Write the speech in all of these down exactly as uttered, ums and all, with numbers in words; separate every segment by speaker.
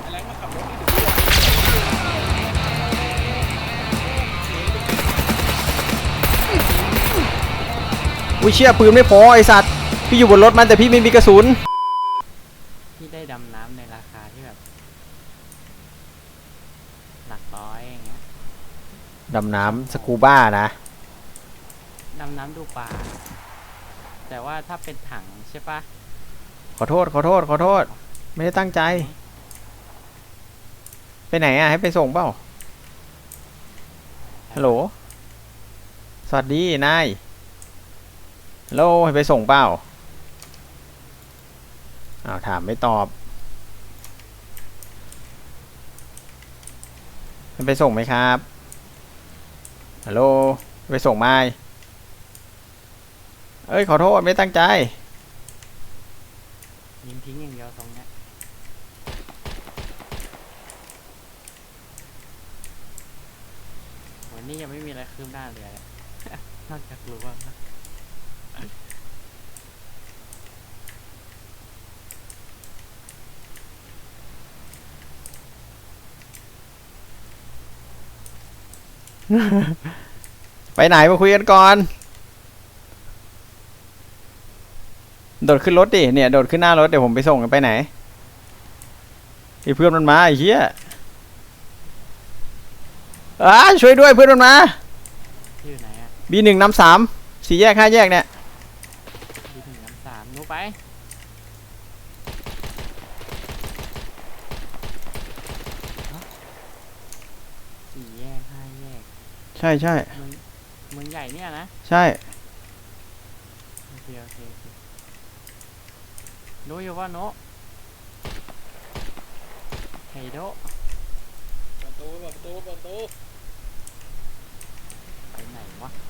Speaker 1: แรงมาขับรถ
Speaker 2: อุ้ยเชี่ยปืนไม่พอไอสัตว์พี่อยู่บนรถมันแต่พี่ไม่มีกระสุน
Speaker 3: พี่ได้ดำน้ำในราคาที่แบบหลักร้อยอย่างเงี้ย
Speaker 2: ดำน้ำสกูบ้านะ
Speaker 3: ดำน้ำดูปลาแต่ว่าถ้าเป็นถังใช่ปะ
Speaker 2: ขอโทษขอโทษขอโทษไม่ได้ตั้งใจไปไหนอ่ะให้ไปส่งเปล่าฮัลโหลสวัสดีนายฮัลโหลให้ไปส่งเปล่าอ้าวถามไม่ตอบให้ไปส่งไหมครับฮัลโหลไปส่งไหมเอ้ยขอโทษไม่ตั้งใจ
Speaker 3: ยิงทิ้งอย่างเดียวตรงเนี้ยวันนี้ยังไม่มีอะไรคืบหน้าเลย นอกจากรู้ว่า
Speaker 2: ไปไหนมาคุยกันก่อนโดดขึ้นรถดิเนี่ยโดดขึ้นหน้ารถเดี๋ยวผมไปส่งกันไปไหนไอ้เพื่อนมันมาไอ้เหี้ยอ้าช่วยด้วยเพื่อนมันมา
Speaker 3: อยู่ไหนอ่ะ
Speaker 2: บีหนึ่งน้ำสามสี่แยกห้าแยกเนี่ย
Speaker 3: บีหนึ่งน้ำสามนู้ไปสี่แยกห้าแยก
Speaker 2: ใช่ใช่
Speaker 3: เมืองเมืองใหญ่เนี่ยนะ
Speaker 2: ใช่
Speaker 3: โอเคโอเคโอเครู้อยู่ว่าโนไฮโด
Speaker 1: ประตูประตูประตู
Speaker 3: ไปไหนวะ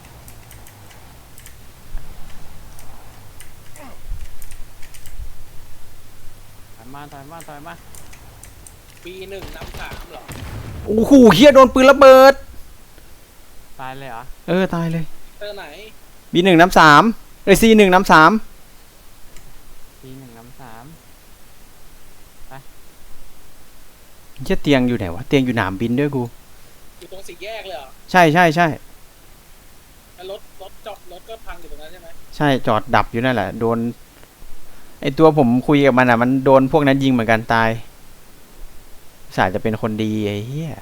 Speaker 3: ถอยมาถอยมาถอยมา
Speaker 1: ปีหนึ่งน้ำสามเหรอ
Speaker 2: โอ้โหเฮียโดนปืนระเบิด
Speaker 3: ตายเลยเหรอ
Speaker 2: เออตายเลย
Speaker 1: เตอร์ไหน
Speaker 2: บีหนึ่งน้ำสามเอ้ยซีหนึ่งน้ำสาม
Speaker 3: ปีหนึ่งน้ำสามไป
Speaker 2: เฮียเตียงอยู่ไหนวะเตียงอยู่หนามบินด้วยกู
Speaker 1: อยู่ตรงสี่แยกเลยเหรอ
Speaker 2: ใช่ใช่ใช่
Speaker 1: รถรถจอดรถก็พังอยู่ตรงนั้นใช่ไหม
Speaker 2: ใช่จอดดับอยู่นั่นแหละโดนไอตัวผมคุยกับมันอ่ะมันโดนพวกนั้นยิงเหมือนกันตายสายจะเป็นคนดีไอ้เหี้ย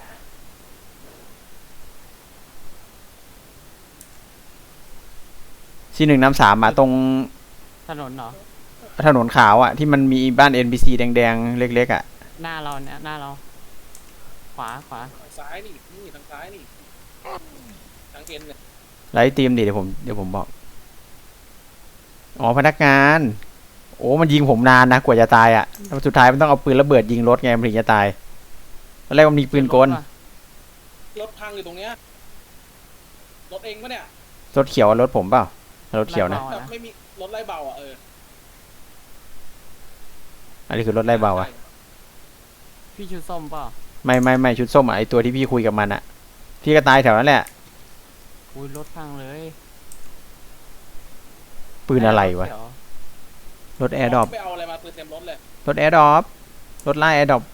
Speaker 2: ซีหนึ่งน้ำสามมาตรง
Speaker 3: ถนนเหรอ
Speaker 2: ถนนขาวอ่ะที่มันมีบ้าน เอ็น พี ซี แดงๆเล็กๆอ่ะ
Speaker 3: หน้าเราเนี่ยหน้าเราขวาขวา
Speaker 1: ทางซ้ายนี่นี่ทางซ้ายนี่ทางเอ็นเนี่ย
Speaker 2: ไลท์ทีมดิเดี๋ยวผมเดี๋ยวผมบอกอ๋อพนักงานโอ้มันยิงผมนานนะกว่าจะตายอ่ะแล้วสุดท้ายมันต้องเอาปืนระเบิดยิงรถไงมันถึงจะตายตอนแรกมันมีปืนกล
Speaker 1: รถพังอยู่ตรงเนี้ยรถเองปะเนี่ย
Speaker 2: รถเขียวรถผมเปล่ารถเขียวนะ
Speaker 1: ไม่มีรถไล่เบาอ่ะเออ
Speaker 2: อันนี้คือรถไล่เบาอ่ะ
Speaker 3: พี่ชุดส้มเปล่า
Speaker 2: ไม่ไม่ไม่ชุดส้มอ่ะไอตัวที่พี่คุยกับมันอ่ะพี่ก็ตายแถวนั้นแหละ
Speaker 3: อุ้ยรถพังเลย
Speaker 2: ปืนอะไรวะรถแอร์ดรอป
Speaker 1: ไปเอาอะไรมาปืนเต็มรถเลย
Speaker 2: รถแอร์ดรอปรถไล่แอร์ดรอป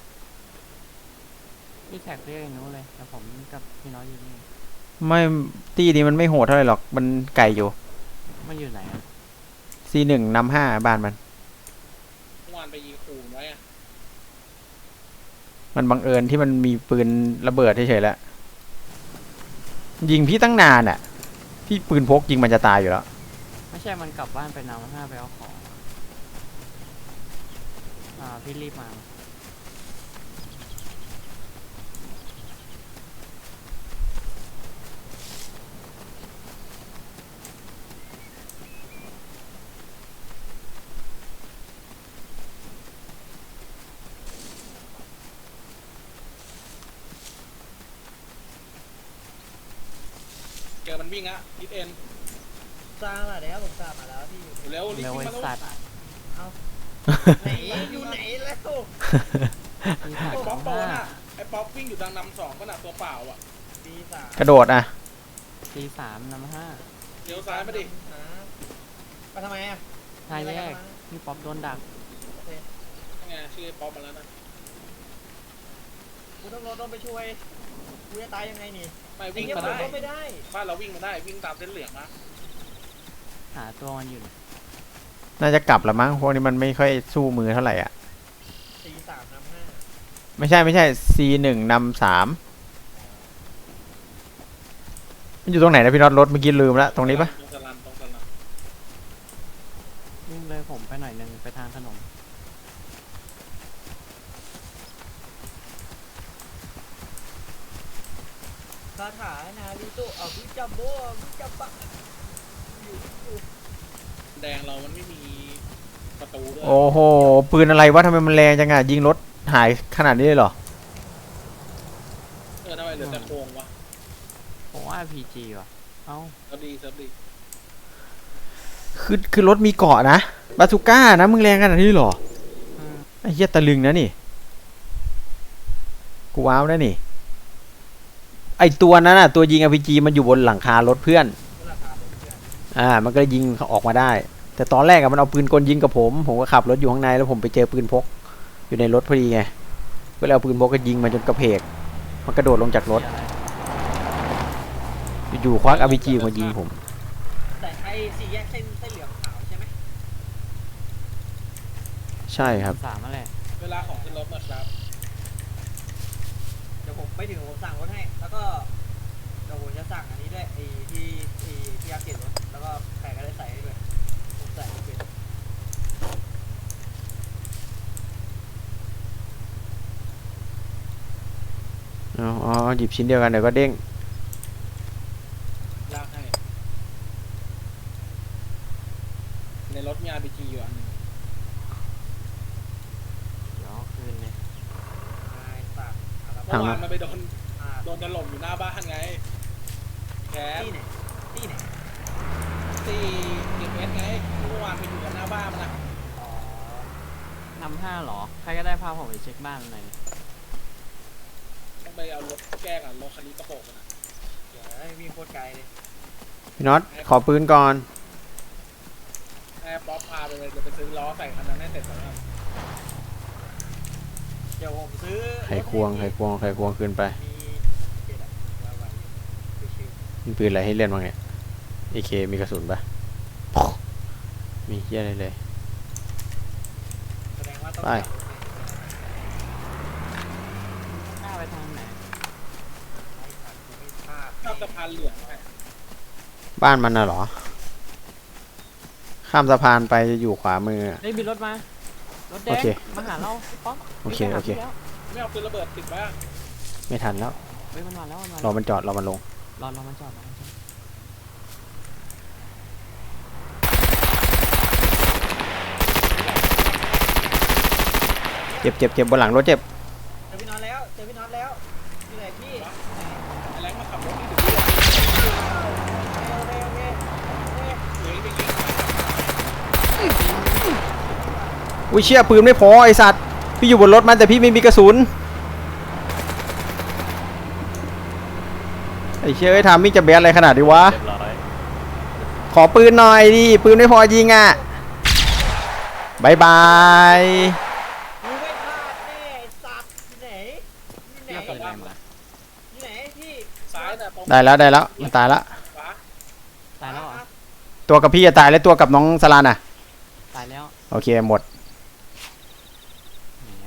Speaker 3: พี่แท็กเรียกไอ้นู้นเลยแต่ผมกับพี่น้อยอยู่นี่
Speaker 2: ไม่ตีนี้มันไม่โหดเท่าไหร่หรอกมันไก่อยู่
Speaker 3: มันอยู่ไหนอ่ะ
Speaker 2: ซีหนึ่งนำห้าบ้านมัน
Speaker 1: เมื่อวานไปยิงขู่ไว้อะ
Speaker 2: มันบังเอิญที่มันมีปืนระเบิดเฉยๆแล้วยิงพี่ตั้งนานอ่ะพี่ปืนพกยิงมันจะตายอยู่แล้ว
Speaker 3: ไม่ใช่มันกลับบ้านไปนำห้าไปเอาของอ่าพี่รีบมา
Speaker 1: เจอมันวิ่งอะทิศเอ็น
Speaker 4: ตามมาแล้วผมตามมาแล้วที่อยู่
Speaker 1: เร็วรีบ
Speaker 3: ไอ้สัตว์
Speaker 4: เอาไหนอยู่ไหนแล้ว
Speaker 1: ไอ้ป๊อปโตน่ะไอ้ป๊อปวิ่งอยู่ทางนำสองก็น่ะตัวเปล่าอ่ะ
Speaker 4: ปีสาม
Speaker 2: กระโดดอ่ะ
Speaker 3: ปีสามนำห้า
Speaker 1: เลี้ยวซ้ายมาดิ
Speaker 4: มาทำไมอ่ะ
Speaker 3: ทายแยกพี่ป๊อปโดนดัก
Speaker 1: ไงชื่อป๊อปมาแล้วนะ
Speaker 4: กูต้องรถต้องไปช่วยกูจะตายยังไงนี่
Speaker 1: ไม่
Speaker 4: ไอ้
Speaker 1: วิ่ง
Speaker 4: เงี้ย
Speaker 1: มา
Speaker 4: ผม
Speaker 1: ได้
Speaker 4: รถไม่ได้
Speaker 1: บ้านเราวิ่งมาได้วิ่งตามเส้นเหลืองนะ
Speaker 3: หาตัวมันอยู่
Speaker 2: น่าจะกลับละมั้งพวกนี้มันไม่ค่อยสู้มือเท่าไหร่อ่ะ
Speaker 4: สี่สามนำห้า
Speaker 2: ไม่ใช่ไม่ใช่ C หนึ่งนำสามมันอยู่ตรงไหนนะพี่น็อตรถเมื่อกี้ลืมละตรงนี้ปะ
Speaker 1: ตรงสลันตรงสลัน
Speaker 3: วิ่งเลยผมไปหน่อยนึงไปทางถนน
Speaker 4: คาถานาริโตะเอาวิจัมโบวิจัมปะอยู่อยู่
Speaker 1: แดงเรามันไม่มีประตูด้วย
Speaker 2: โอ้โหปืนอะไรวะทำไมมันแรงจังอ่ะยิงรถหายขนาดนี้เลยเหรอ
Speaker 1: เออทำไมเหลือแต่โครงวะ
Speaker 3: ผมว่า พี จี ว่ะเอ้า
Speaker 1: เซิร์ฟดีเซิร์ฟดี
Speaker 2: คือคือรถมีเกาะนะบาซูก้านะมึงแรงขนาดนี้เหรอ
Speaker 3: อืม
Speaker 2: ไอ้เหี้ยตะลึงนะนี่กูว้าวนะนี่ไอตัวนั้นน่ะตัวยิง อาร์ พี จี มันอยู่บนหลังคารถเพื่อน
Speaker 4: ราคาเป็นเพื่อน
Speaker 2: อ่ามันก็เลยยิงออกมาได้ แต่ตอนแรกอะมันเอาปืนกลยิงกับผมผมก็ขับรถอยู่ข้างในแล้วผมไปเจอปืนพกอยู่ในรถพอดีไงก็เลยเอาปืนพกก็ยิงมันจนกระเพกมันกระโดดลงจากรถ
Speaker 3: เหี้ยอะไร
Speaker 2: อยู่ๆควัก อาร์ พี จี มายิงผม
Speaker 4: แต่ไอ้สี่แยกเส้นเส้นเหลืองขาวใช่ไหม
Speaker 2: ใช่ครับ
Speaker 3: สามอะไร
Speaker 1: เวลาของขึ้นรถนะครับ
Speaker 4: เดี๋ยวผมไปถึงผมสั่งรถให้ แล้วก็เดี๋ยวผมจะสั่งอันนี้ด้วยไอ้ที่ไอ้ที่ยักษ์เก็บรถแล้วก็ใครก็ได้ใส่ให้ด้วยผมใส่ไม่เป็น
Speaker 2: อ๋ออ๋อหยิบชิ้นเดียวกันเดี๋ยวก็เด้ง
Speaker 1: ลากให้ ในรถมี อาร์ พี จี อยู่อันหนึง
Speaker 3: เดี๋ยวเอาคืนเลย
Speaker 4: นายสั่งอะไร
Speaker 1: เมื่อวานมันไปโดน
Speaker 4: อ่า
Speaker 1: โดนถล่มอยู่หน้าบ้านไงแคส
Speaker 4: ที่ไหนที่ไหน
Speaker 1: ตีเก็บเอสไงเมื่อวานไปอยู่กันหน้าบ้านมันนะ
Speaker 4: อ๋อน
Speaker 3: ำห้าเหรอ ใครก็ได้พาผมไปเช็คบ้านหน่อย
Speaker 1: ต้องไปเอารถแก้กันรถคันนี้กระโปรงมันนะ
Speaker 4: เดี๋ยวให้วิ่งโคตรไกลเลย
Speaker 2: พี่น็อตขอปืนก่อน
Speaker 1: แอบป๊อปพาไปเลยเดี๋ยวไปซื้อล้อใส่คันนั้นให้เสร็จก่อนนะครับ
Speaker 4: เดี๋ยวผมซื้อ
Speaker 2: ไขควงไขควงไขควงขึ้นไป
Speaker 4: มีเจ็ดอะเอาไว้ไปชื่อ
Speaker 2: มีปืนอะไรให้เล่นบ้างเนี่ย เอ เค มีกระสุนปะมีเหี้ยอะไรเลย
Speaker 4: แสดงว่าต้อง
Speaker 2: ไป
Speaker 4: จับรถเนี่ย
Speaker 3: หน้าไปทางไหน
Speaker 4: ไอ้สัตว์กูไม่พลาด
Speaker 1: ชอบสะพานเหลืองไง
Speaker 2: บ้านมันน่ะเหรอ ข้ามสะพานไปจะอยู่ขวามืออะ
Speaker 3: เฮ้ยมีรถมา รถแด
Speaker 2: โอง เค
Speaker 3: มาหาเราป๊อก
Speaker 2: โอเค
Speaker 3: วิ่งไปหา
Speaker 2: โอเค
Speaker 3: พี่แล้ว
Speaker 1: ไม่เอาปืนระเบิดติดไว้อะ
Speaker 2: ไม่ทันแล้ว
Speaker 3: เฮ้ยมันมาแล้วมันมาร
Speaker 2: อ
Speaker 3: แล้ว
Speaker 2: มันจอดรอมันลง
Speaker 3: รอรอมันจอดรอมันจอด
Speaker 2: เจ็บเจ็บเจ็บบนหลังรถเจ็บ
Speaker 4: เจอพี่น็อตแล้วเจอพี่น็อตแล้วที่ไหนพี่ไหน
Speaker 1: ไอ้แรงมาขับรถที่ถึงที่อะ
Speaker 4: โอเคโอเคโอเค
Speaker 1: เหลือไปยิง
Speaker 2: อุ้ยเชี่ยปืนไม่พอไอสัตว์ พี่อยู่บนรถมันแต่พี่ไม่มีกระสุน ไอเชี่ยไอ้ยทามมิ่งจะแบนอะไรขนาดนี้วะ
Speaker 3: เรียบร้อย
Speaker 2: ขอปืนหน่อยดิปืนไม่พอยิงอ่ะบายบาย
Speaker 4: กูไม่พลาดแน่ไอ้สัตว์ที่ไหนที่ไหน
Speaker 3: เรียกปืนอะไรมา
Speaker 4: ที่ไหนพี่
Speaker 1: ซ้ายแต่ตรง
Speaker 2: ได้แล้วได้แล้วมันตายละ
Speaker 1: ขวา
Speaker 3: ตายแล้วเหรอ
Speaker 2: ตัวกับพี่จะตายแล้วตัวกับน้องสลานอ่ะ
Speaker 3: ตายแล้ว
Speaker 2: โอเคหมด
Speaker 3: แหม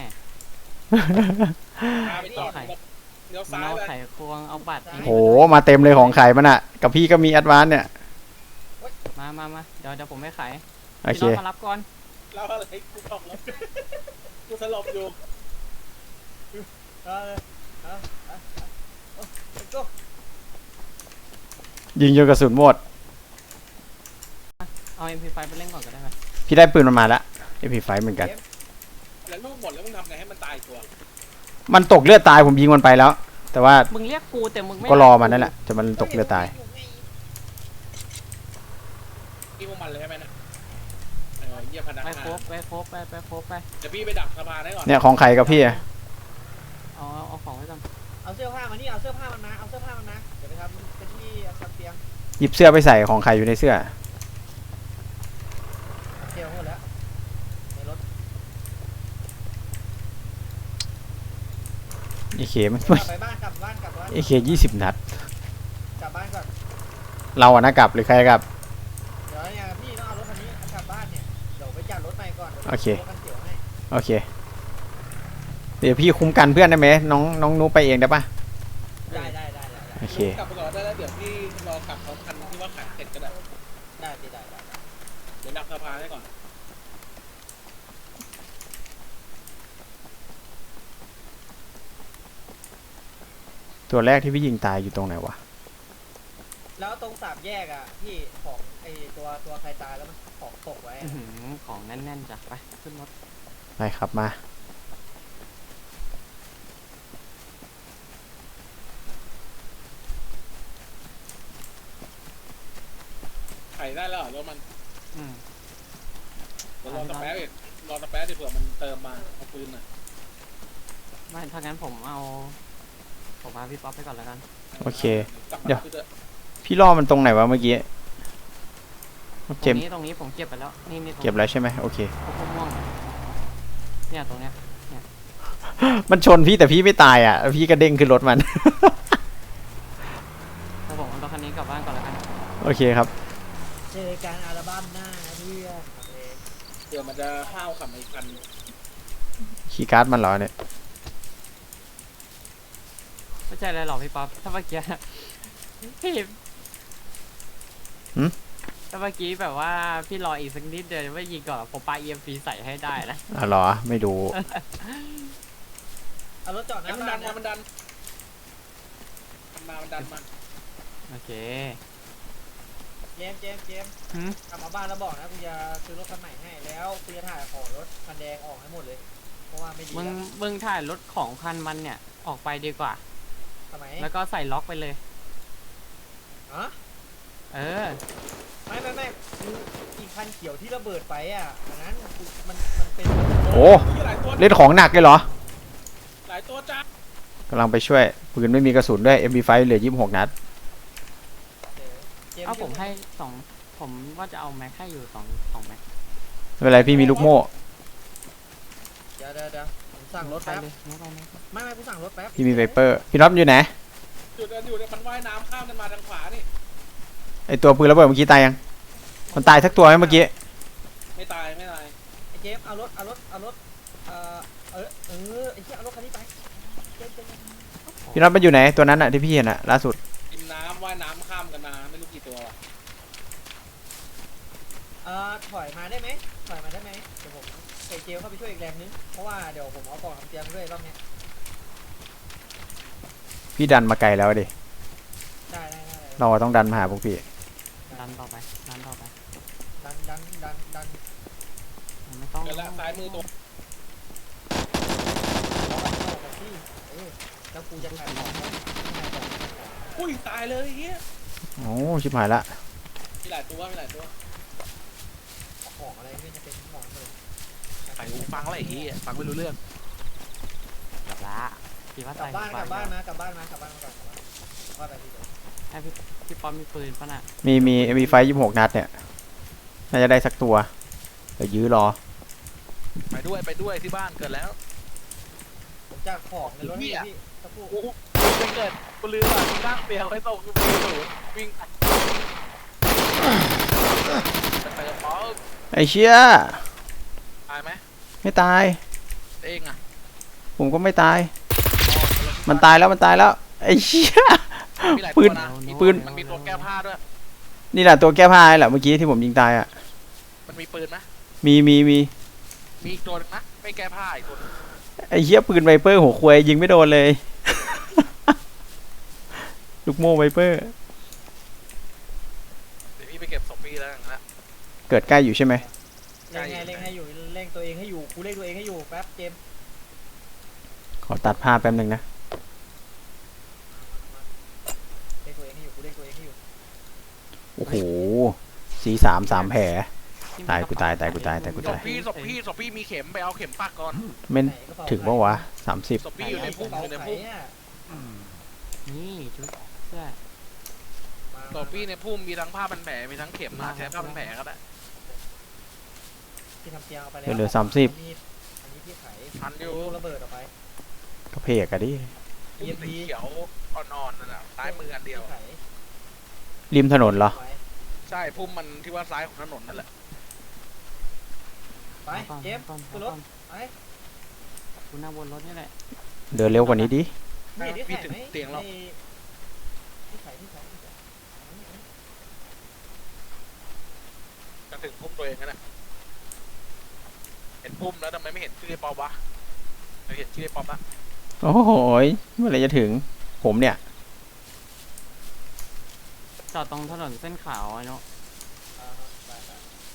Speaker 1: พาไปจอดเลี้ยว
Speaker 3: มัน
Speaker 1: ซ้าย
Speaker 3: เอา
Speaker 1: ไป
Speaker 3: ไขควงเอาบัตร
Speaker 2: โหมาเต็มเลยของไข่มันอ่ะ กับพี่ก็มีแอดวานซ์เนี่ย
Speaker 3: มามามาเดี๋ยวเดี๋ยวผมไม่ขาย
Speaker 2: โอ
Speaker 3: พี่
Speaker 2: เค
Speaker 3: น้องมารับก่อน
Speaker 1: เล่าอะไรกูบอกแล้วกูสลบอยู่
Speaker 4: เออเออเออเออเออก็
Speaker 2: ยิงจนกระสุนหมด
Speaker 3: เอา เอ็ม พี ไฟว์ ไปเล่นก่อนก็ได้ไหม
Speaker 2: พี่ได้ปืนมันมาแล้วเอพีไฟเหมือนกัน
Speaker 1: แล้วลูกหมดแล้วมึงทำไงให้มันตายตัว
Speaker 2: มันตกเลือดตายผมยิงมันไปแล้ว แต่ว่า
Speaker 3: มึงเรียกกูแต่มึงไม่
Speaker 2: ก็รอมันนั่นแหละจะมันตกเลือดตาย
Speaker 1: พี่พวกมันเลยใช่ไหมนะเออเยี่ยมพนัก
Speaker 3: ไป
Speaker 1: งา
Speaker 3: โครบ
Speaker 1: น
Speaker 3: ไปโครบไปไปโครบไป
Speaker 1: เดี๋ยวพี่ไปดักสะพานให้ก่อน
Speaker 2: เนี่ยของไข่กับพี่อะ
Speaker 3: เอาเอาเอาของไว้ก่อน
Speaker 4: เอาเสื้อผ้ามานี่เอาเสื้อผ้ามันมาเอาเสื้อผ้ามันมาเดี๋ยวไปทำเป็นที่ทำเตียง
Speaker 2: หยิบเสื้อไปใส่ของไข่อยู่ในเสื้อ
Speaker 4: เตียงหมดแล้วในรถ
Speaker 2: เอเคมัน
Speaker 4: กลับไปบ้านกลับบ้านกลับบ้าน
Speaker 2: เอเคยี่สิบนัด
Speaker 4: กลับบ้านก่อน
Speaker 2: เราอะนะกลับหรือใครกลับ
Speaker 4: เดี๋ยวเนี่ยพี่ต้องเอารถคันนี้กลับบ้านเนี่ยเดี๋ยวไปจัดรถใหม่ก่อนดี๋ยว
Speaker 2: โอเค
Speaker 4: รถคันเขียวให้
Speaker 2: โอเค เดี๋ยวพี่คุ้มกันเพื่อนได้ไหมน้องน้องนุ๊กไปเองได้ปะ
Speaker 4: ได้ได้ได้ได้ได้
Speaker 2: โอเค
Speaker 1: กลับไปก่อนได้แล้วเดี๋ยวพี่รอกลับพร้อมคันที่ว่าขายเสร็จก็ได้
Speaker 4: ได้พี่ได้ได้ได้
Speaker 1: เดี๋ยวดักสะพานให้ก่อน
Speaker 2: ตัวแรกที่พี่ยิงตายอยู่ตรงไหนวะ
Speaker 4: แล้วตรงสามแยกอ่ะพี่ของไอตัวตัวใครตายแล้วมันของตกไว้
Speaker 3: อื้อ
Speaker 4: อะ
Speaker 3: หือของแน่นๆจ้ะไปขึ้นรถ
Speaker 2: ไปครับมา
Speaker 1: ขายได้แล้วเหรอรถมัน
Speaker 3: อืม
Speaker 1: เดี๋ยวรอสแป๊บอีกรอสแป๊บดิเผื่อมันเติมมาเอาปืนน่ะ
Speaker 3: ไม่ถ้างั้นผมเอาผมพาพี่ป๊อปไปก่อนแล้วกัน
Speaker 2: โอเค
Speaker 1: กลับมา
Speaker 2: เดี๋ยว
Speaker 1: คือเถอะ
Speaker 2: พี่ล่อมันตรงไหนวะเมื่อกี้
Speaker 3: ต
Speaker 2: เจ
Speaker 3: ร
Speaker 2: ม
Speaker 3: ง
Speaker 2: ส์
Speaker 3: นี้ตรงนี้ผมเก็บไปแล้วนี่นี่ตรง
Speaker 2: เก็บแล้วใช่ไหมโอเค
Speaker 3: พวกม่วงเนี่ยตรงเนี้ย
Speaker 2: มันชนพี่แต่พี่ไม่ตายอ่ะ พี่กระเด้งขึ้นรถมัน
Speaker 3: ถ้าผมเอารถคันนี้กลับบ้านก่อนแล้วกัน
Speaker 2: โอเคครับ
Speaker 4: เจอการอัลบั้มหน้านะเพื่อนโอเค
Speaker 1: เดี๋ยวมันจะห้าวขับมาอีกคัน
Speaker 2: คีย์การ์ดมันเหรอเนี่ย
Speaker 3: ไม่ใช่อะไรหรอกพี่ป๊อปถ้าเมื่อกี้ พี่ถ้าเมื่อกี้แบบว่าพี่รออีกสักนิดเดียวไม่ยิงก่อนผมปาเอ็มฟีใส่ให้ได้นะ
Speaker 2: อ่ะเหรอไม่ดู
Speaker 4: เอารถจอดห
Speaker 1: ไอ้
Speaker 4: น้า
Speaker 1: มัน
Speaker 4: บ้า
Speaker 1: ดั
Speaker 4: น
Speaker 1: น
Speaker 4: นะ
Speaker 1: มามันดันมันมามันดันมา
Speaker 3: โอเค
Speaker 4: เจมส์เจมส์เจมส์
Speaker 3: หืม
Speaker 4: กลับมาบ้านแล้วบอกนะกูจะซื้อรถคันใหม่ให้แล้วกูจะถ่ายของรถคันแดงออกให้หมดเลยเพราะว่าไม่ดี
Speaker 3: มึง
Speaker 4: แล้ว
Speaker 3: มึงถ่ายรถของคันมันเนี่ยออกไปดีกว่า
Speaker 4: ทำไม
Speaker 3: แล้วก็ใส่ล็อกไปเลย
Speaker 4: ฮะ
Speaker 3: เออ
Speaker 4: ไม่ไม่ไม่คืออีกคันเขียวที่ระเบิดไปอ่ะอันนั้นกูมันมันเป็น
Speaker 2: โอ้
Speaker 1: มีหลายตัว
Speaker 2: เล่นของหนักเลยเหรอ
Speaker 1: หลายตัวจ้าก
Speaker 2: ำลังไปช่วยปืนไม่มีกระสุนด้วย เอ็ม พี ไฟว์ เหลือยี่สิบหกนัด
Speaker 4: เจมส์
Speaker 3: เอาผมให้สองผมว่าจะเอาแม็กให้อยู่สองสองแม็ก
Speaker 2: ไม่เป็นไรพี่มีลูกโม่
Speaker 4: เดี๋ยวเดี๋ยวเดี๋ยวผมสั่งรถ
Speaker 3: ไป
Speaker 4: แป๊บ
Speaker 3: เลยไม่ไปไม่ไป
Speaker 4: ไม่ไม่กูสั่งรถแป๊บ
Speaker 2: พี่มีไวเปอร์ พี่น็อตอยู่ไหน
Speaker 1: จุดเดินอยู่เนี่ยมันว่ายน้ำข้ามกันมาทางขวานี่
Speaker 2: ไอตัวปืนระเบิดเมื่อกี้ตายยัง มันตายสักตัวไหมเมื่อกี้
Speaker 1: ไม่ตายไม่ตาย
Speaker 4: ไอ้เจมส์เอารถเอารถเอารถเอ่อเออเออไอ้เหี้ยเอารถคันนี้ไปเจมส์เจมส์เจมส์
Speaker 2: พี่น็อตมันอยู่ไหนตัวนั้นอะที่พี่เห็นอะล่าสุด
Speaker 1: กินน้ำว่ายน้ำข้ามกันมาไม่รู้กี่ตัวว่ะ
Speaker 4: เอ่อถอยมาได้ไหมถอยมาได้ไหมเดี๋ยวผมใส่เจลเข้าไปช่วยอีกแรงนึงเพราะว่าเดี๋ยวผมเอากล่องน้ำเตรียมด้วยรอบเนี้ย
Speaker 2: พี่ดันมาไกลแล้วดิ
Speaker 4: ได้ได้ได้ได้
Speaker 2: เราต้องดันมาหาพวกพี่
Speaker 3: ดันต่อไปดันต่อไป
Speaker 4: ดันดันดันดัน
Speaker 3: ผมไม่ต้อง
Speaker 1: เดี๋ยวละซ้ายมือตัว
Speaker 4: เอาไปที่เออแล้วกูจะขายของให้ขายของขายของ
Speaker 1: อุ้ยตายเลยไอ้เฮีย
Speaker 2: โอ้ชิบหายละ
Speaker 1: มีหลายตัวมีหลายตัว
Speaker 4: ของอะไรไม่จะเป็นของเลย
Speaker 5: ใส่หูฟังอะไรอย่างงี้ฟังไม่รู้เรื่อง
Speaker 3: กลับละพี่ว่าก
Speaker 4: ลั
Speaker 3: ใส่
Speaker 4: บบ้านกลับบ้าน
Speaker 3: นะ
Speaker 4: มากลับบ้านมากลับบ้านมาก่อนกลับบ้านว่าไปที่เดิม
Speaker 3: ให้พี่พี่ป๊อปมีปืนปะน่ะ
Speaker 2: มีมี เอ็ม พี ไฟว์ ยี่สิบหกนัดเนี่ย น่าจะได้สักตัว เดี๋ยวยื้อรอ
Speaker 5: ไปด้วยไปด้วยที่บ้านเกิดแล้ว
Speaker 4: ผมจะของในรถให้พี่สักครู่
Speaker 5: กูไปเกิดกูลืมอ่ะกูนั่งเปียกไว้ตรงกูไปศูนย์วิ่งไปเติมป๊อป
Speaker 2: ไอเชี่ย
Speaker 5: ตายไหม
Speaker 2: ไม่ตาย
Speaker 5: เองอ่ะ
Speaker 2: ผมก็ไม่ตาย มันตายแล้วมันตายแล้ว ไอเชี่ย
Speaker 5: มีหลาย
Speaker 2: ปื
Speaker 5: ตัวน นะ
Speaker 2: ปืน
Speaker 5: มันมีตัวแก้ผ้าด้วย
Speaker 2: นี่แหละตัวแก้ผ้าแหละเมื่อกี้ที่ผมยิงตายอ่ะ
Speaker 5: มันมีปืนไหม
Speaker 2: มีมีมี
Speaker 5: มีอีกตัวนึงนะไม่แก้ผ้าอีกตัวนึง
Speaker 2: ไอเชี่ยปืนไวเปอร์หัวควายยิงไม่โดนเลย ลูกโม่ไวเปอร์
Speaker 5: เดี๋ยวพี่ไปเก็บศพพี่แล้วอย่างนั้น
Speaker 2: เกิดใกล้อยู่ใช่ไหม
Speaker 4: เล่งไงเล่งให้อยู่เล่งตัวเองให้อยู่กูเล่งตัวเองให้อยู่แป๊บเจมส์
Speaker 2: ขอตัดภาพแป๊บนึงนะ
Speaker 4: เล่งตัวเองให้อยู่กูเล่งตัวเองให้อยู่
Speaker 2: โอ้โหสีสามสามแผล
Speaker 3: ที่มี
Speaker 2: ตาย
Speaker 3: กระ
Speaker 2: กู
Speaker 3: เป๋
Speaker 2: ตายตายกูตายตายกู
Speaker 5: ศ
Speaker 2: ตาย
Speaker 5: พพี่ศพพี่ศพพี่มีเข็มไปเอาเข็มปักก่อน
Speaker 2: ไม่
Speaker 4: ไหนกระเป๋า
Speaker 2: ถึงปะวะสามสิบ
Speaker 5: ศพพี่อยู่ในพุ่มอยู่ใน
Speaker 4: ไหน
Speaker 5: พุ่ม
Speaker 4: อ่ะ
Speaker 3: นี่ชุดเสื้อ
Speaker 4: มา
Speaker 5: ศพพี่ในพุ่มมีทั้งผ้าพันแผลมีทั้งเข็มนะใช้ผ้าพันแผลก็ได้
Speaker 4: ที่ทำเตียงเอาไปแล้ว
Speaker 2: เหลือสามสิบ
Speaker 4: อันนี้อันนี้พี่ไข
Speaker 5: ทันอยู่
Speaker 4: ลูกระเบิดออกไป
Speaker 2: ก็เพกอะดิ
Speaker 5: พุ่มสีเขียวอ่อนๆนั่นแหละซ้ายมืออันเดียว
Speaker 4: ไข
Speaker 2: ริมถนนเหรอ
Speaker 4: ไว้
Speaker 5: ใช่พุ่มมันที่ว่าซ้ายของถนนนั่นแหละ
Speaker 4: ไป
Speaker 3: ก่อน
Speaker 4: เจมส์
Speaker 3: ก่อน
Speaker 4: ขึ้นร
Speaker 3: ก่
Speaker 4: ถ
Speaker 3: อน
Speaker 4: ไป
Speaker 3: กูนั่งบนรถนี่แหละ
Speaker 2: เดินเร็วกว่านี้ดิ
Speaker 4: ไม่ได้
Speaker 5: พี่
Speaker 4: ใส่
Speaker 5: ถึง
Speaker 4: ไหม
Speaker 5: เตียงแล้ว
Speaker 4: ที่ไขที่ไขที่ไข
Speaker 5: จะถึงพุ่มตัวเองแล้วนะเห็นพุ่มแล้วทำไมไม่เห็นชื่อไอ้ป๊อปวะเราเห็นชื่อไอ้ป๊อปละ
Speaker 2: โอ้โหยเมื่อไหรจะถึง ผมเนี่ย
Speaker 3: จอดตรงถนนเส้นขาวไอ้เนาะ
Speaker 4: อ่าไปไป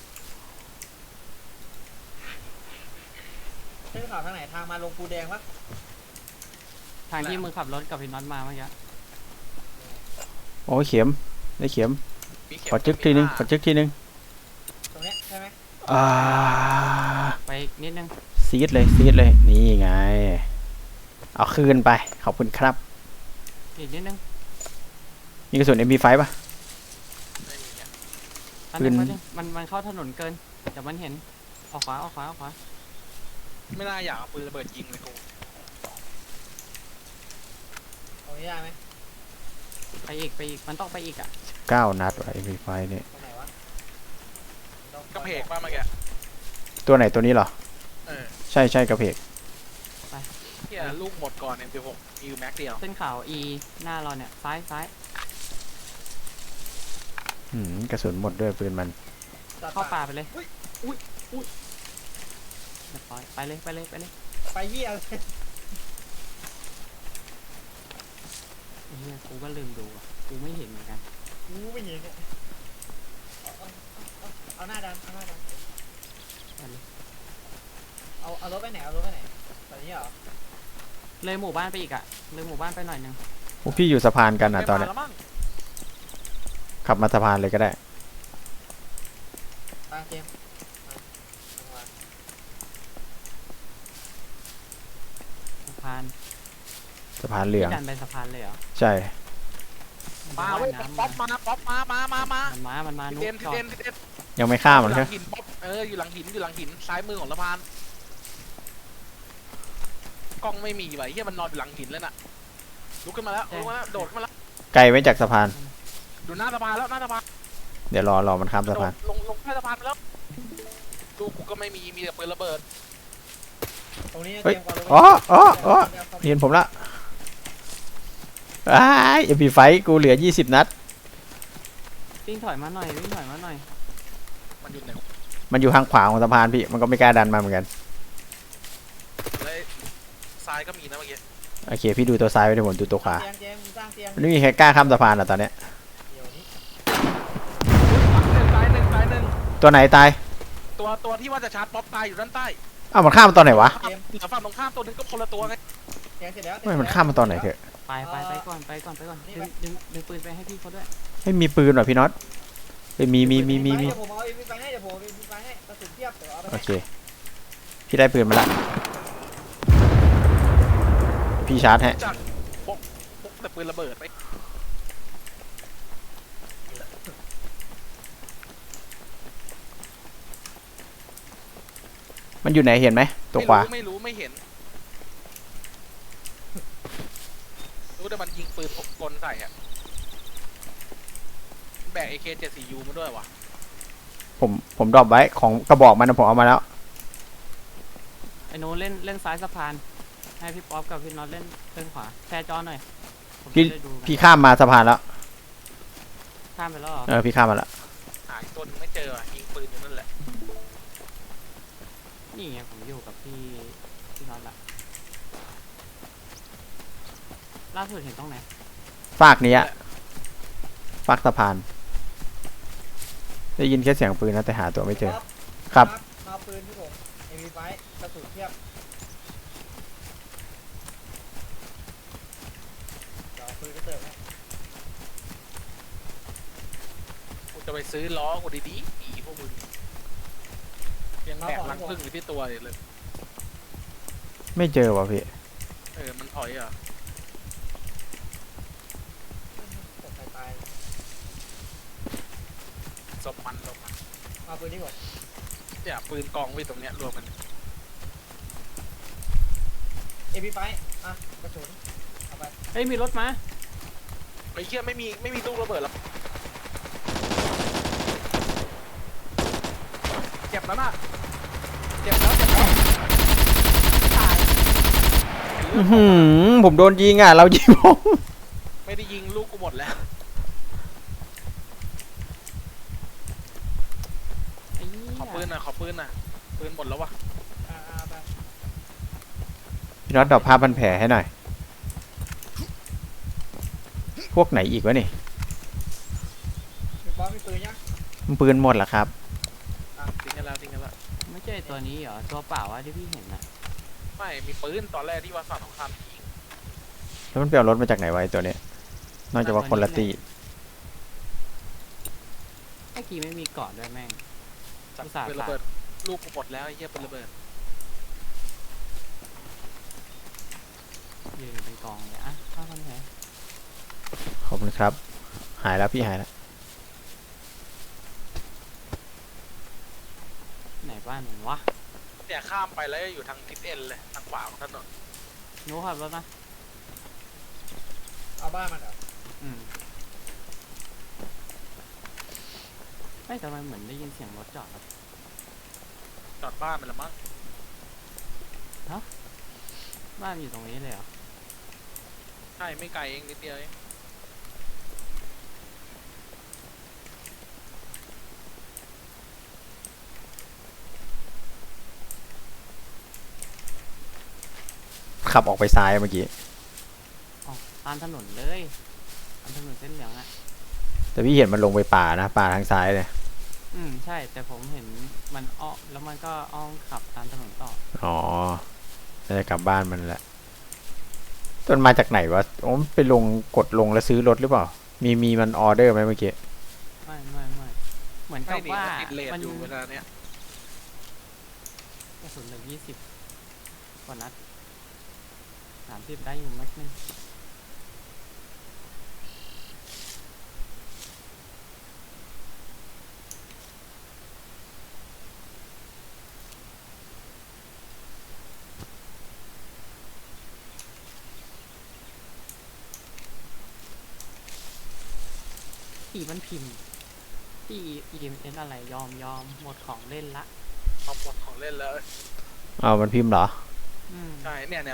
Speaker 4: เส้นขาวทางไหนทางมาลงปูแดงปะ
Speaker 3: ทางที่มึงขับรถกับพี่น็อตมาเมื่อกี้
Speaker 2: โอ้ยเข็ม ได้เข็ม
Speaker 5: มีเข็ม
Speaker 2: ขอจึกทีนึง ขอจึกทีนึง
Speaker 4: ตรงเนี้ยใช่ไหม
Speaker 2: อ่า
Speaker 3: ไปอีกนิดนึง
Speaker 2: ซีดเลยซีดเลย นี่ไง เอาคืนไป ขอบคุณครับ
Speaker 3: อีกนิดนึง
Speaker 2: มีกระสุน เอ็ม พี ไฟว์ ป่ะ
Speaker 5: ไม่มีเนี่ย
Speaker 3: อัน
Speaker 2: ปื
Speaker 3: นึ
Speaker 2: น
Speaker 3: งอันนึงมันมันเข้าถนนเกินเดี๋ยวมันเห็นออกขวาออกขวาออกขวา
Speaker 5: ไม่น่าอยากเอาปืนระเบิดยิงเลยกู
Speaker 4: ตรงนี้ได้ไหม
Speaker 3: ไปอีกไปอีกมันต้องไปอีกอ่ะ
Speaker 2: เก้า นัดว่ะ เอ็ม พี ไฟว์ เนี่ย
Speaker 4: ตรงไหนวะ
Speaker 5: กระเพกป่ะเมื่อกี้
Speaker 2: ตัวไหนตัวนี้เหรอ
Speaker 5: เออ
Speaker 2: ใช่ใช่กระเพก
Speaker 5: เฮียลูกหมดก่อนเอ็มสิบหกมีอยู่แม็กเดียว
Speaker 3: เส้นขาว E หน้าเราเนี่ยซ้ายซ้าย
Speaker 2: อืมกระสุนหมดด้วยปืนมัน
Speaker 4: ตัด
Speaker 3: เข้าป่าไปเลย
Speaker 4: อุ้ยอุ้ยอุ้ย
Speaker 3: เรียบร้อยไปเลยไปเลยไปเลย
Speaker 4: ไปเยี่ยเลย
Speaker 3: ไอ้เหี้ยกูก็ลืมดูอ่ะกูไม่เห็นเหมือนกัน
Speaker 4: กูไม่เห็นเนี่ยเอาเอาเอาเอาหน้าดันเอาหน้าดัน
Speaker 3: ไปเลย
Speaker 4: เอาเอารถไปไหนเอารถไปไหนตอนนี้เหรอ
Speaker 3: เลยหมู่บ้านไปอีกอ่ะเลยหมู่บ้านไปหน่อยนึง
Speaker 2: พวกพี่อยู่สะพานกันอ่ะตอน
Speaker 5: ไม่
Speaker 2: เนี้
Speaker 5: มาย แล้วมั้ง
Speaker 2: ขับมาสะพานเลยก็ได้
Speaker 4: ตาเจมส์มามา
Speaker 3: สะพาน
Speaker 2: สะพานเหลือง
Speaker 3: พี่ดันไปสะพานเลยเหรอ
Speaker 2: ใช่
Speaker 5: มาเว้ย
Speaker 3: น้ำ
Speaker 5: ป๊อปมาป๊อปมามามามา
Speaker 3: มันมามันมา
Speaker 5: ที
Speaker 3: นุ๊
Speaker 5: เด่น
Speaker 3: ก
Speaker 5: ที
Speaker 3: จอด
Speaker 5: เด่นทีเด่น
Speaker 2: ยังไม่ข้าม
Speaker 5: อ
Speaker 2: มัน
Speaker 5: ยู่ห
Speaker 2: ใช่
Speaker 5: ลังหินป๊อปเอออยู่หลังหินอยู่หลังหินซ้ายมือของสะพานกล้องไม่มีว่ะเฮียมันนอนอยู่หลังหินแล้วน่ะลุกขึ้นมาแล้วลุกขึ้นมาแล้วโดดขึ้นมาแล้ว
Speaker 2: ไกลไว้จากสะพาน
Speaker 5: ดูหน้าสะพานแล้วหน้าสะพาน
Speaker 2: เดี๋ยวรอรอมันข้ามสะพาน
Speaker 5: ลงลงใต้สะพานไปแล้วลูกกูก็ไม่มีมีแต่ปืนระเบิด
Speaker 4: ตรงนี้
Speaker 2: เฮ้ย
Speaker 4: เตรียมก่อนเลย
Speaker 2: อ๋ออ๋ออ๋อ เห็นผมละอ้ายเอ็มพีไฟกูเหลือยี่สิบนัด
Speaker 3: วิ่งถอยมาหน่อยวิ่งถอยมาหน่อย
Speaker 5: มันอยู่ไหน
Speaker 2: มันอยู่ทางขวาของสะพานพี่ มันก็ไม่กล้าดันมาเหมือนกัน
Speaker 5: แล้วซ้ายก็มีนะเมื่อกี้
Speaker 2: โอเค พี่ดูตัวซ้ายไว้เดี๋ยวผมดูตัวขวา
Speaker 4: เตียงเจมส์สร้างเตียง
Speaker 2: มันไม่มีใครกล้าข้ามสะพานอ่ะตอนเนี้ย
Speaker 4: เดี๋ยวนี้
Speaker 5: ซ้ายหนึ่งซ้ายหนึ่ง
Speaker 2: ตัวไหนตาย
Speaker 5: ตัวตัวที่ว่าจะชาร์จป๊อปตายอยู่ด้านใต้
Speaker 2: อ้าวมันข้ามมาตอนไหนวะ
Speaker 5: เหลือฝั่งตรงข้ามตัวนึงก็คนละตัวไง
Speaker 4: เตียงเสร็จแล้ว
Speaker 2: ไม่มันข้ามมาตอนไหนเถอะ
Speaker 3: ไปไปไปก่อนไปก่อนไปก่อนดึงดึงดึงปืนไปให้พี่เขาด้วย
Speaker 2: ไม่มีปืนหรอพี่น็อตเฮ้ยมีมีมีมีมี
Speaker 4: เดี๋ยวผมเอาเอ็มไปให้เดี๋ยวผมเอาเอ็มไปให้กระสุนเทียบเดี๋ยวเอาไป
Speaker 2: โอ
Speaker 4: ให้
Speaker 2: เค พี่ได้ปืนมาละ พี่ชาร์จให้
Speaker 5: จากพกพกแต่ปืนระเบิดไป
Speaker 2: มันอยู่ไหนเห็นไหมตัวขวา
Speaker 5: ไม่รู้ไม่เห็นรู้แต่มันยิงปืนพกกลใส่อะแบก เอ เค เจ็ดสิบสี่ ยู มาด้วยวะ
Speaker 2: ผมผมดรอปไว้ของกระบอกมันนะผมเอามาแล้ว
Speaker 3: ไอ้โน้ตเล่นเล่นซ้ายสะพานให้พี่ป๊อปกับพี่น็อตเล่นเล่นขวาแชร์จอหน่อยผม
Speaker 2: พี่
Speaker 3: จะได้ดูกัน
Speaker 2: พี่ข้ามมาสะพานแล้ว
Speaker 3: ข้ามไปแล้วเหรอ
Speaker 2: เออพี่ข้ามมาแล้ว
Speaker 5: หายตัวนึงไม่เจออะยิงปืนอยู่นั่นแหละ
Speaker 3: นี่ไงผมอยู่กับพี่พี่น็อตละล่าสุดเห็นตรงไหน
Speaker 2: ฝากนี้อะฝากสะพาน ได้ยินแค่เสียงปืนนะแต่หาตัวไม่เจอ ครับ
Speaker 4: มาเอาปืนที่ผมเอ็มไปกระสุนเทียบเดี๋ยวเอาปืนกระเติบให้
Speaker 5: กูจะไปซื้อล้อกูดีๆอีพวกมึงยังแบกรังพึ่งอยู่ที่ตัวอยู่เลย
Speaker 2: ไม่เจอว่ะพี่
Speaker 5: เออมันถอยอ่ะ
Speaker 4: ตกใครตาย
Speaker 5: ศพมันศพมัน
Speaker 4: มาปืนที่ผม
Speaker 5: เนี่ยปืนกองไว้ตรงเนี้ยรวมกัน
Speaker 4: เจเอพีไฟอ่ะกระสุนเอาไป
Speaker 3: เฮ้ยมีรถมา
Speaker 5: ไอ้เหี้ยไม่มีไม่มีลูกระเบิดหรอกเจ็บแล้วน่ะเจ็บแล้วเจ็บแล้ว
Speaker 3: ตาย
Speaker 2: อื้อหือผมโดนยิงอ่ะ เรายิงผม
Speaker 5: ไม่ได้ยิงลูกกูหมดแล้ว
Speaker 3: ไอ้เหี้ย
Speaker 5: ขอปืนหน่อยขอปืนหน่อยปืนหมดแล้ววะ
Speaker 4: อ่าเอาไป
Speaker 2: พี่น็อตดรอปผ้าพันแผลให้หน่อย พวกไหนอีกวะนี่
Speaker 4: มีบอสมีปืนยัง
Speaker 2: มันปืนหมดเหรอครับ
Speaker 5: ทิ้งกันแล้วทิ้งกันแล้ว
Speaker 3: ไม่ใช่ตัวนี้เหรอตัวเปล่าวะที่พี่เห็นน่ะ
Speaker 5: ไม่มีปืนตอนแรกที่ว่าฝั่งของคำยิง
Speaker 2: แล้วมันไปเอารถมาจากไหนไวะไอ้ตัวเนี้ยนอกจากว่าคนละตี
Speaker 3: เมื่อกี้ไม่มีเกาะด้วยแม่ง
Speaker 5: จับ
Speaker 3: อุตส่าห์
Speaker 5: ปืนระเบิดลูกกูหมดแล้วไอ้เหี้ยปืนระเบิด
Speaker 3: ยืนเป็นกองเลยอ่ะข้าพันแผล
Speaker 2: ขอบคุณครับ หายแล้วพี่หายแล้ว
Speaker 3: ไหนบ้านมันวะ
Speaker 5: เนี่ยข้ามไปแล้วอยู่ทางทิศเอ็นเลยทางขวาของถนน
Speaker 3: หนูขับรถนะ
Speaker 4: เอาบ้านมันเหรอ
Speaker 3: อืมไม่ทำไมเหมือนได้ยินเสียงรถจอดวะ
Speaker 5: จอดบ้านมันละมั้ง
Speaker 3: บ้านอยู่ตรงนี้เลยเหรอ
Speaker 5: ใช่ไม่ไกลเองนิดเดียวเอง
Speaker 2: ขับออกไปซ้ายเมื่อกี้
Speaker 3: อ๋อตามถนนเลยตามถนนเส้นเหลืองอ่ะ
Speaker 2: แต่พี่เห็นมันลงไปป่านะ ป่าทางซ้ายเลย
Speaker 3: อืมใช่แต่ผมเห็นมันอ้อมแล้วมันก็อ้อมขับตามถนนต่อ
Speaker 2: อ๋อน่าจะกลับบ้านมันแหละต้นมาจากไหนวะโอ้มนไปลงกดลงแล้วซื้อรถหรือเปล่า มีมีมันออเดอร์ไหมเมื่อกี้
Speaker 3: ไม่ไม่ไม่เหมือน
Speaker 5: ไม่
Speaker 3: กับ
Speaker 5: หนี
Speaker 3: ว่า
Speaker 5: ติดเลท
Speaker 3: มัน
Speaker 5: อยู่เวลาเนี้ย
Speaker 3: กระสุนเหลือยี่สิบกว่านัดสามสิบได้อยู่แม็กนึงที่มันพิมพ์ที่ อี เอ็ม เอส อะไรยอมยอมหมดของเล่นละ
Speaker 5: เอาหมดของเล่นแล้ว
Speaker 2: เอามันพิมพ์เหรอ
Speaker 3: อืม
Speaker 5: ใช่เนี่ยเนี่ย